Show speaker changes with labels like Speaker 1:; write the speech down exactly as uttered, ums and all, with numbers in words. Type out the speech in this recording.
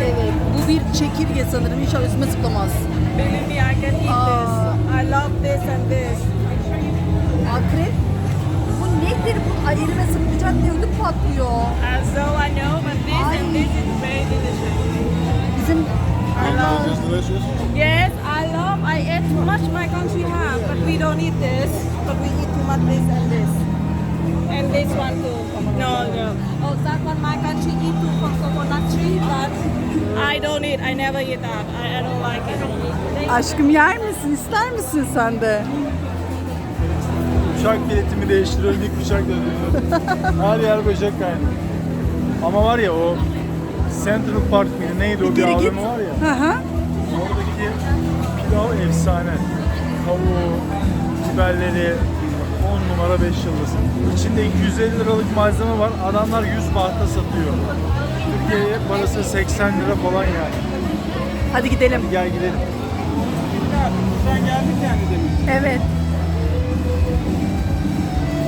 Speaker 1: Evet. Bu bir çekirge sanırım. İnşallah üstüme zıplamaz.
Speaker 2: Believe me, I can eat
Speaker 1: Aa.
Speaker 2: this. I love this and this.
Speaker 1: Akrep. Bu nedir bu? Ay elime sıkacak diye ödüm patlıyor.
Speaker 2: And so I know, but this
Speaker 1: Ay.
Speaker 2: and this is very delicious.
Speaker 1: Bizim
Speaker 3: It's delicious.
Speaker 2: Yes, I love. I ate too much my country have, but we don't eat this. But we eat too much this and this. And this one too. No, no. Oh, that one my country eat too from coconut tree, but I don't eat. I never eat that. I, I don't like it.
Speaker 1: aşkım yer misin? İster misin sen de?
Speaker 3: Uçak biletimi değiştiriyorum, ilk uçak dönüyorum. Her yer böcek kaynıyor. Ama var ya o Central Park mıydı neydi o bir
Speaker 1: Geri
Speaker 3: A V
Speaker 1: git.
Speaker 3: M var ya.
Speaker 1: Hı hı.
Speaker 3: Oradaki pilav efsane. Tavuğu, biberleri on numara beş yıldız. İçinde iki yüz elli liralık malzeme var. Adamlar yüz bahta satıyor. Türkiye'ye parası seksen lira falan yani.
Speaker 1: Hadi gidelim.
Speaker 3: Gel gidelim. Buradan geldik yani demin.
Speaker 1: Evet.